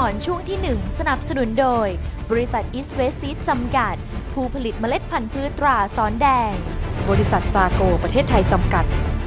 รช่วงที่ 1 สนับสนุนโดย บริษัท East West Seed จำกัด ผู้ผลิตเมล็ดพันธุ์พืชตราซ้อนแดง บริษัทซาโกประเทศไทยจำกัด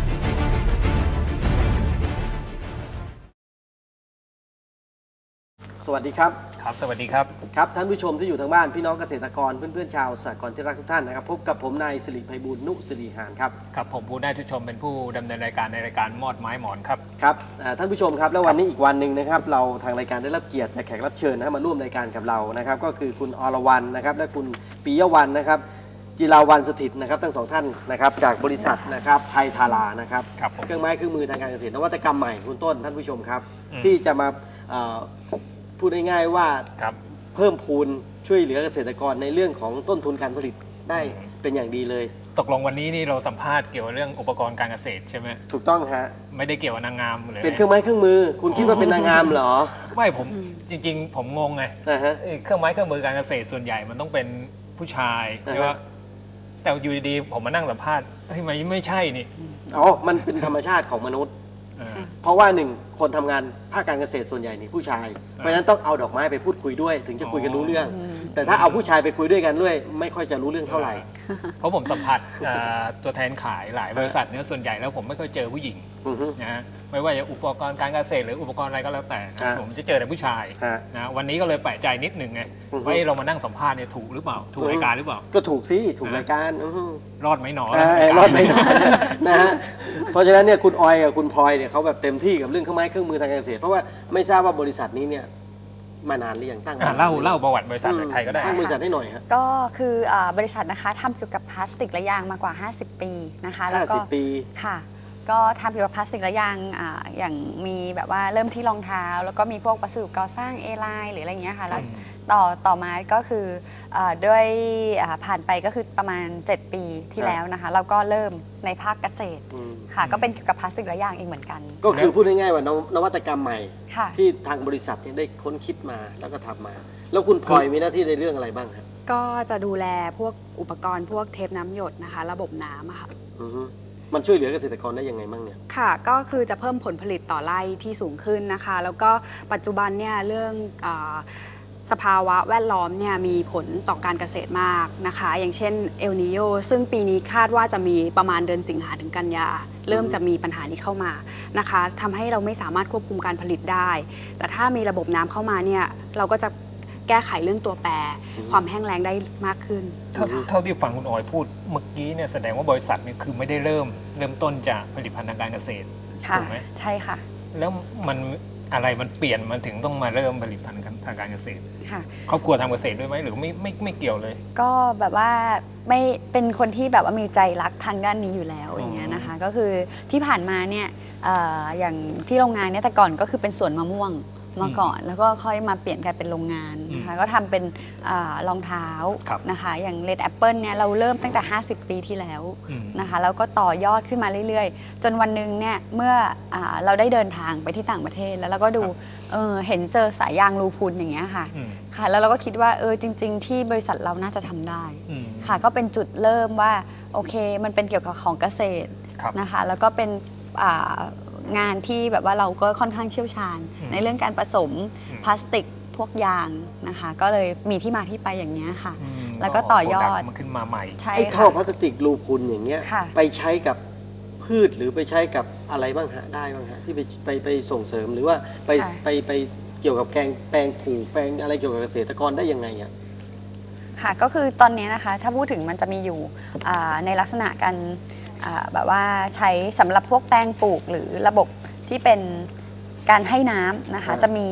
สวัสดีครับครับสวัสดีครับครับท่านผู้ชมที่อยู่ทางบ้านพี่น้องเกษตรกรเพื่อนๆชาวสหกรณ์ที่รักทุกท่านนะครับพบกับผมนายสิริไพบูลย์นุสิริหานครับครับผมผู้ได้ทุกชมเป็นผู้ดำเนินรายการในรายการมอดไม้หมอนครับครับท่านผู้ชมครับแล้ววันนี้อีกวันหนึ่งนะครับเราทางรายการได้รับเกียรติจากแขกรับเชิญมาร่วมรายการกับเรานะครับก็คือคุณอรวรรณนะครับและคุณปิยวรรณนะครับจิราวัลย์สถิตนะครับทั้งสองท่านนะครับจากบริษัทนะครับไทยทารานะครับเครื่องไม้เครื่องมือทางการเกษตรนวัตกรรมใหม่คุณต้นท่านผู้ชมครับที่จะมาพูดง่ายๆว่าเพิ่มพูนช่วยเหลือเกษตรกรในเรื่องของต้นทุนการผลิตได้เป็นอย่างดีเลยตกลงวันนี้นี่เราสัมภาษณ์เกี่ยวกับเรื่องอุปกรณ์การเกษตรใช่ไหมถูกต้องฮะไม่ได้เกี่ยวกับนางงามเลยเป็นเครื่องไม้เครื่องมือคุณคิดว่าเป็นนางงามเหรอไม่ผมจริงๆผมงงไงเครื่องไม้เครื่องมือการเกษตรส่วนใหญ่มันต้องเป็นผู้ชายใช่ไหมแต่อยู่ดีๆผมมานั่งสัมภาษณ์ไม่ใช่นี่อ๋อมันเป็นธรรมชาติของมนุษย์เพราะว่าหนึ่งคนทำงานภาคการเกษตรส่วนใหญ่นี่ผู้ชายเพราะฉะนั้นต้องเอาดอกไม้ไปพูดคุยด้วยถึงจะคุยกันรู้เรื่องแต่ถ้าเอาผู้ชายไปคุยด้วยกันด้วยไม่ค่อยจะรู้เรื่องเท่าไหร่เพราะผมสัมผัสตัวแทนขายหลายบริษัทเนี่ยส่วนใหญ่แล้วผมไม่ค่อยเจอผู้หญิงนะไม่ว่าจะอุปกรณ์การเกษตรหรืออุปกรณ์อะไรก็แล้วแต่ผมจะเจอแต่ผู้ชายนะวันนี้ก็เลยแปลกใจนิดหนึ่งไงว่าเรามานั่งสัมภาษณ์เนี่ยถูกหรือเปล่าถูกรายการหรือเปล่าก็ถูกสิถูกรายการรอดไหมหนอรอดไหมหนอนะฮะเพราะฉะนั้นเนี่ยคุณออยกับคุณพลอยเนี่ยเขาแบบเต็มที่กับเรื่องเครื่องไม้เครื่องมือทางการเกษตรเพราะว่าไม่ทราบว่าบริษัทนี้เนี่ยมานานหรือยังตั้งเล่าประวัติบริษัทใครก็ได้ตั้งบริษัทให้หน่อยฮะก็คือบริษัทนะคะทำเกี่ยวกับพลาสติกและยางมากว่า50 ปีนะคะแล้วก็ 50 ปีค่ะก็ทำเกี่ยวกับพลาสติกและยางอย่างมีแบบว่าเริ่มที่รองเท้าแล้วก็มีพวกวัสดุก่อสร้างเอไลน์หรืออะไรเงี้ยค่ะแล้วต่อมาก็คือด้วยผ่านไปก็คือประมาณ7 ปีที่แล้วนะคะเราก็เริ่มในภาคเกษตรค่ะก็เป็นเกี่ยวกับพลาสติกและยางเองเหมือนกันก็คือพูดง่ายๆว่านวัตกรรมใหม่ที่ทางบริษัทได้ค้นคิดมาแล้วก็ทำมาแล้วคุณพลอยมีหน้าที่ในเรื่องอะไรบ้างครับก็จะดูแลพวกอุปกรณ์พวกเทปน้ำหยดนะคะระบบน้ำค่ะมันช่วยเหลือเกษตรกรได้ยังไงบ้างเนี่ยค่ะก็คือจะเพิ่มผลผลิตต่อไร่ที่สูงขึ้นนะคะแล้วก็ปัจจุบันเนี่ยเรื่องสภาวะแวดล้อมเนี่ยมีผลต่อการเกษตรมากนะคะอย่างเช่นเอลนิโญซึ่งปีนี้คาดว่าจะมีประมาณเดือนสิงหาถึงกันยาเริ่มจะมีปัญหานี้เข้ามานะคะทำให้เราไม่สามารถควบคุมการผลิตได้แต่ถ้ามีระบบน้ำเข้ามาเนี่ยเราก็จะแก้ไขเรื่องตัวแปรความแห้งแล้งได้มากขึ้นเท่าที่ฟังคุณออยพูดเมื่อกี้เนี่ยแสดงว่าบริษัทเนี่ยคือไม่ได้เริ่มต้นจากผลิตภัณฑ์ทางการเกษตรถูกไหมใช่ค่ะแล้วมันอะไรมันเปลี่ยนมันถึงต้องมาเริ่มผลิตภัณฑ์ทางการเกษตรครอบครัวทำเกษตรด้วยไหมหรือไม่เกี่ยวเลยก็แบบว่าไม่เป็นคนที่แบบว่ามีใจรักทางด้านนี้อยู่แล้วอย่างเงี้ยนะคะก็คือที่ผ่านมาเนี่ยอย่างที่โรงงานเนี่ยแต่ก่อนก็คือเป็นสวนมะม่วงมาก่อนแล้วก็ค่อยมาเปลี่ยนกลายเป็นโรงงานนะคะก็ทำเป็นรองเท้านะคะอย่างเลดแอปเปิลเนี่ยเราเริ่มตั้งแต่50 ปีที่แล้วนะคะแล้วก็ต่อยอดขึ้นมาเรื่อยๆจนวันหนึ่งเนี่ยเมื่อเราได้เดินทางไปที่ต่างประเทศแล้วเราก็ดูเห็นเจอสายยางรูพุนอย่างเงี้ยค่ะแล้วเราก็คิดว่าจริงๆที่บริษัทเราน่าจะทำได้ค่ะก็เป็นจุดเริ่มว่าโอเคมันเป็นเกี่ยวกับของเกษตรนะคะแล้วก็เป็นงานที่แบบว่าเราก็ค่อนข้างเชี่ยวชาญในเรื่องการผสมพลาสติกพวกยางนะคะก็เลยมีที่มาที่ไปอย่างนี้ค่ะแล้วก็ต่อยอดมันขึ้นมาใหม่ไอ้ท่อพลาสติกรูพุนอย่างเงี้ยไปใช้กับพืชหรือไปใช้กับอะไรบ้างฮะได้บ้างฮะที่ไปส่งเสริมหรือว่าไปเกี่ยวกับแปลงปลูกแปลงอะไรเกี่ยวกับเกษตรกรได้ยังไงอ่ะค่ะก็คือตอนนี้นะคะถ้าพูดถึงมันจะมีอยู่ในลักษณะการแบบว่าใช้สำหรับพวกแปลงปลูกหรือระบบที่เป็นการให้น้ำนะคะจะมี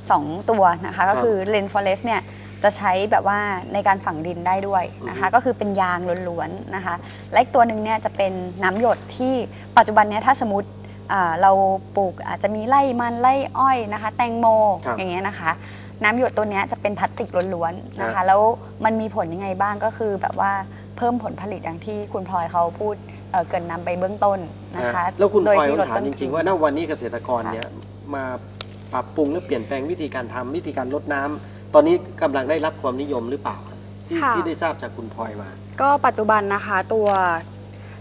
2 ตัวนะคะก็คือเลนฟอเรสเนี่ยจะใช้แบบว่าในการฝังดินได้ด้วยนะคะก็คือเป็นยางล้วนๆนะคะและอีกตัวหนึ่งเนี่ยจะเป็นน้ำหยดที่ปัจจุบันเนี้ยถ้าสมมติเราปลูกอาจจะมีไร่มันไร่อ้อยนะคะแตงโมอย่างเงี้ยนะคะน้ำหยดตัวนี้จะเป็นพลาสติกล้วนๆนะคะแล้วมันมีผลยังไงบ้างก็คือแบบว่าเพิ่มผลผลิตอย่างที่คุณพลอยเขาพูดเกินนำไปเบื้องต้นนะคะแล้วคุณพลอยถามจริงๆว่าณวันนี้เกษตรกรเนี่ยมาปรับปรุงและเปลี่ยนแปลงวิธีการทำวิธีการลดน้ำตอนนี้กำลังได้รับความนิยมหรือเปล่าที่ได้ทราบจากคุณพลอยมาก็ปัจจุบันนะคะตัว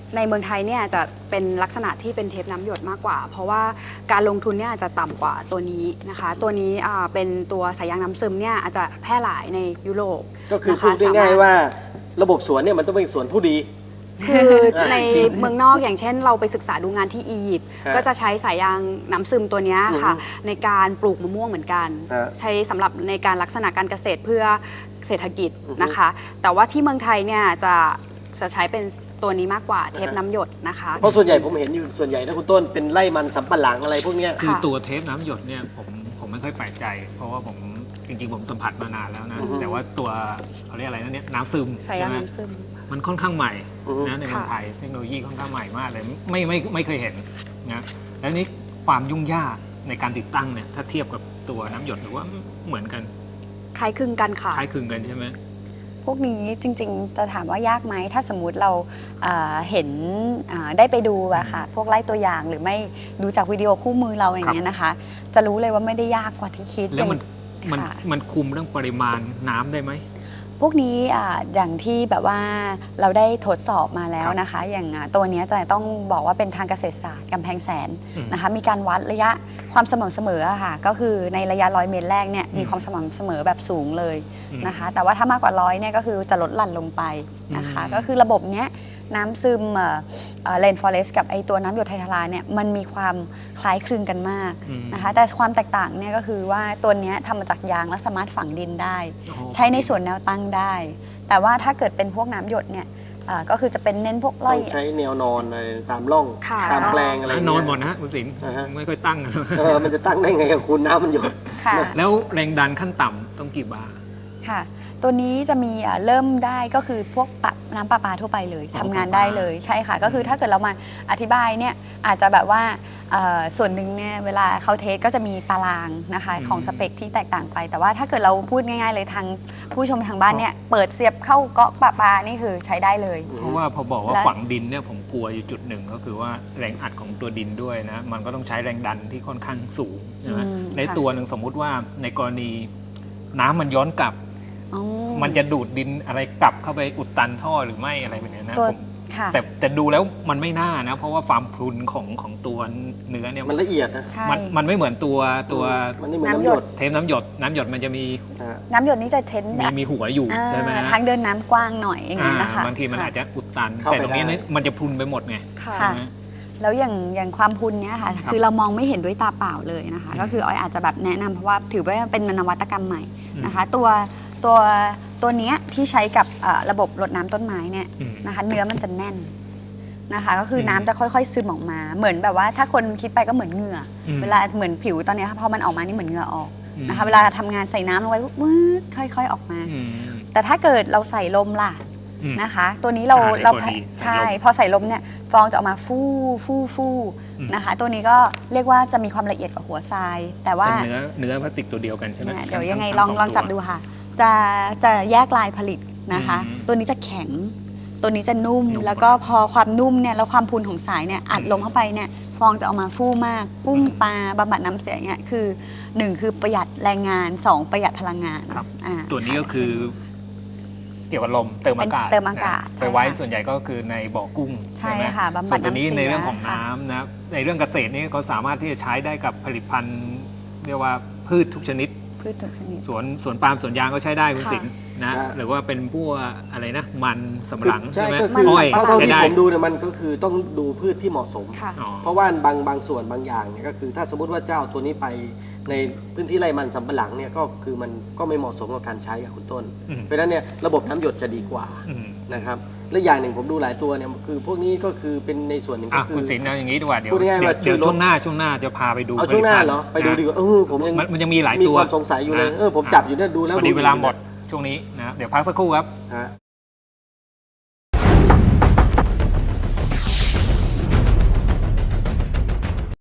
ในเมืองไทยเนี่ยจะเป็นลักษณะที่เป็นเทปน้ำหยดมากกว่า เพราะว่าการลงทุนเนี่ยอาจจะต่ำกว่าตัวนี้นะคะตัวนี้เป็นตัวสายยางน้ำซึมเนี่ยอาจจะแพร่หลายในยุโรปก็คือนะพูคะดง่ายๆว่าระบบสวนเนี่ยมันต้องเป็นสวนผู้ดีคือในเมืองนอกอย่างเช่นเราไปศึกษาดูงานที่อียิปต์ฮะก็จะใช้สายยางน้ำซึมตัวเนี้ยค่ะอือฮึในการปลูกมะม่วงเหมือนกันฮะใช้สำหรับในการลักษณะการเกษตรเพื่อเศรษฐกิจอือฮึนะคะ แต่ว่าที่เมืองไทยเนี่ยจะใช้เป็นตัวนี้มากกว่าเทปน้ำหยดนะคะเพราะส่วนใหญ่ผมเห็นอยู่ส่วนใหญ่นะคุณต้นเป็นไร่มันสำปะหลังอะไรพวกเนี้ยคือค่ะตัวเทปน้ำหยดเนี่ยผมไม่ค่อยแปลกใจ เพราะว่าผมจริงๆผมสัมผัสมานานแล้วนะอือฮึแต่ว่าตัวเขาเรียกอะไรนะเนี่ยน้ำซึมสายยางใช่ไหมน้ำซึมมันค่อนข้างใหม่อือฮึนะในเมืองค่ะไทยเทคโนโลยีค่อนข้างใหม่มากเลยไม่เคยเห็นนะแล้วนี่ความยุ่งยากในการติดตั้งเนี่ยถ้าเทียบกับตัวน้ำหยดหรือว่าเหมือนกันคล้ายคลึงกันค่ะคล้ายคลึงกันใช่ไหมพวกนี้จริงๆจะถามว่ายากไหมถ้าสมมุติเราเห็นได้ไปดูอะค่ะพวกไล่ตัวอย่างหรือไม่ดูจากวิดีโอคู่มือเราอย่างเงี้ยนะคะ จะรู้เลยว่าไม่ได้ยากกว่าที่คิดแล้วมันค่ะมันคุมเรื่องปริมาณน้ำได้ไหมพวกนี้อย่างที่แบบว่าเราได้ทดสอบมาแล้วนะคะ อย่างตัวเนี้ยจะต้องบอกว่าเป็นทางเกษตรศาสตร์กำแพงแสนอืมนะคะ มีการวัดระยะความสม่ำเสมออะค่ะก็คือในระยะ100 เมตรแรกเนี่ยมีความสม่ำเสมอแบบสูงเลยนะคะ แต่ว่าถ้ามากกว่า100เนี่ยก็คือจะลดหลั่นลงไปนะคะ ก็คือระบบเนี้ยน้ำซึมเลนฟอเรสกับไอตัวน้ำหยดไทยทลาเนี่ยมันมีความคล้ายคลึงกันมากอืมนะคะ แต่ความแตกต่างเนี่ยก็คือว่าตัวเนี้ยทำมาจากยางและสามารถฝังดินได้โอ้โหใช้ในส่วนแนวตั้งได้ แต่ว่าถ้าเกิดเป็นพวกน้ำหยดเนี่ยก็คือจะเป็นเน้นพวกต้ไร่องใช้แนวนอนอะไรตามร่องค่ะตามแปลงอะไรนอนหมดนะฮะคุณศิลป์อ่าฮะไม่ค่อยตั้งมันจะตั้งได้ไงกับคุณน้ำมันหยดค่ะแล้วแรงดันขั้นต่ำต้องกี่บาร์ค่ะ ตัวนี้จะมีเริ่มได้ก็คือพวกน้ำประปาทั่วไปเลยอ๋อทำงานได้เลยใช่ค่ะ ก็คือถ้าเกิดเรามาอธิบายเนี่ยอาจจะแบบว่าส่วนหนึ่งเนี่ยเวลาเขาเทสก็จะมีตารางนะคะของสเปคที่แตกต่างไป แต่ว่าถ้าเกิดเราพูดง่ายๆเลยทางผู้ชมทางบ้านเนี่ยเปิดเสียบเข้าเกาะประปานี่คือใช้ได้เลยเพราะว่าพอบอกว่าและฝังดินเนี่ยผมกลัวอยู่จุดหนึ่งก็คือว่าแรงอัดของตัวดินด้วยนะมันก็ต้องใช้แรงดันที่ค่อนข้างสูงใช่ไหมในตัวหนึ่งสมมุติว่าในกรณีน้ำมันย้อนกลับอ๋อมันจะดูดดินอะไรกลับเข้าไปอุดตันท่อหรือไม่อะไรแบบเนี้ยนะตัวผมค่ะแต่ดูแล้วมันไม่น่านะ เพราะว่าความพรุนของตัวเนื้อเนี่ยมันละเอียดนะใช่มันไม่เหมือนตัวมันนี่เหมือนน้ำน้ำหหยยดดเทปน้ำหยดมันจะมีอ่าน้ำหยดนี่จะเทนมีหัวอยู่ใช่ไหมฮะทางเดินน้ำกว้างหน่อยอย่างนี้ยนะคะบางทีมันอาจจะอุดตันเข้าแต่ไปตรงนี้ได้เนี่ยมันจะพรุนไปหมดไงค่ะค่ะใช่ไหมแล้วอย่างความพุนเนี้ยค่ะครับคือเรามองไม่เห็นด้วยตาเปล่าเลยนะคะ ก็คือออยอาจจะแบบแนะนำเพราะว่าถือว่าเป็นนวัตกรรมใหม่นะคะ ตัวเนี้ยที่ใช้กับระบบรดน้ำต้นไม้เนี่ยอืมนะคะ เนื้อมันจะแน่นนะคะ ก็คืออมน้ำจะค่อยๆซึมออกมา เหมือนแบบว่าถ้าคนคิดไปก็เหมือนเหงื่ออมเวลาเหมือนผิวตอนเนี้ยพอมันออกมานี่เหมือนเหงื่อออกอืมนะคะ เวลาทำงานใส่น้ำลงไปวืดค่อยๆออกมาอืมแต่ถ้าเกิดเราใส่ลมล่ะอืมนะคะ ตัวนี้เราตัวดีใช่ใส่ลมพอใส่ลมเนี่ยฟองจะออกมาฟู่อืมนะคะ ตัวนี้ก็เรียกว่าจะมีความละเอียดกว่าหัวทราย แต่ว่าแต่เนื้อพลาสติกตัวเดียวกันใช่ไหมเนี่ยเดี๋ยวยังไงทั้ลองสลองจับตัวดูค่ะ จะแยกลายผลิตนะคะอืมตัวนี้จะแข็ง ตัวนี้จะนุ่มนุ่มแล้วก็พอความนุ่มเนี่ยแล้วความพูนของสายเนี่ยอัดลงเข้าไปเนี่ยฟองจะออกมาฟู่มากปุ้งปลาบำบัดน้ำเสียเนี่ยคือ1คือประหยัดแรงงาน 2 ประหยัดพลังงานครับอ่าตัวนี้ค่ะก็คือเกี่ยวกับลมเติมอากาศเป็นเติมอากาศนะใช่ไปไว้ค่ะส่วนใหญ่ก็คือในบ่อกุ้งใช่ไหมค่ะบำบัดส่วนตัวนี้น้ำเสียในเรื่องของค่ะน้ำนะในเรื่องเกษตรนี่ก็สามารถที่จะใช้ได้กับผลิตภัณฑ์เรียกว่าพืชทุกชนิดพืชทุกชนิดสวนปาล์มสวนยางก็ใช้ได้คุณค่ะสินนะค่ะหรือว่าเป็นพวกอะไรนะมันสำปะหลังใช่ใช่ไหมก็คืออ้อยเท่าใช้ที่ได้ผมดูเนี่ยมันก็คือต้องดูพืชที่เหมาะสมค่ะอ๋อเพราะว่าบางส่วนบางอย่างเนี่ยก็คือถ้าสมมติว่าเจ้าตัวนี้ไปในพื้นที่ไร่มันสำปะหลังเนี่ยก็คือมันก็ไม่เหมาะสมกับการใช้กับคุณต้นอืมเพราะฉะนั้นเนี่ยระบบน้ำหยดจะดีกว่าอืมนะครับและอย่างหนึ่งผมดูหลายตัวเนี่ยคือพวกนี้ก็คือเป็นในส่วนหนึ่งก็อ่ะคือคุณสินเอาอย่างนี้ดีกว่าเดี๋ยวพูดง่ายๆว่าเดี๋ยวช่วยลดช่วงหน้าจะพาไปดูเอาช่วงหน้าผลิตภัณฑ์เหรอไปดูดีกว่าผมยังมันยังมีหลายมีตัวความสงสัยอยู่เลยนะผมจับอยู่เนี่ยดูแล้วพอดีดูเวลาหมดช่วงนี้นะเดี๋ยวพักสักครู่ครับฮะ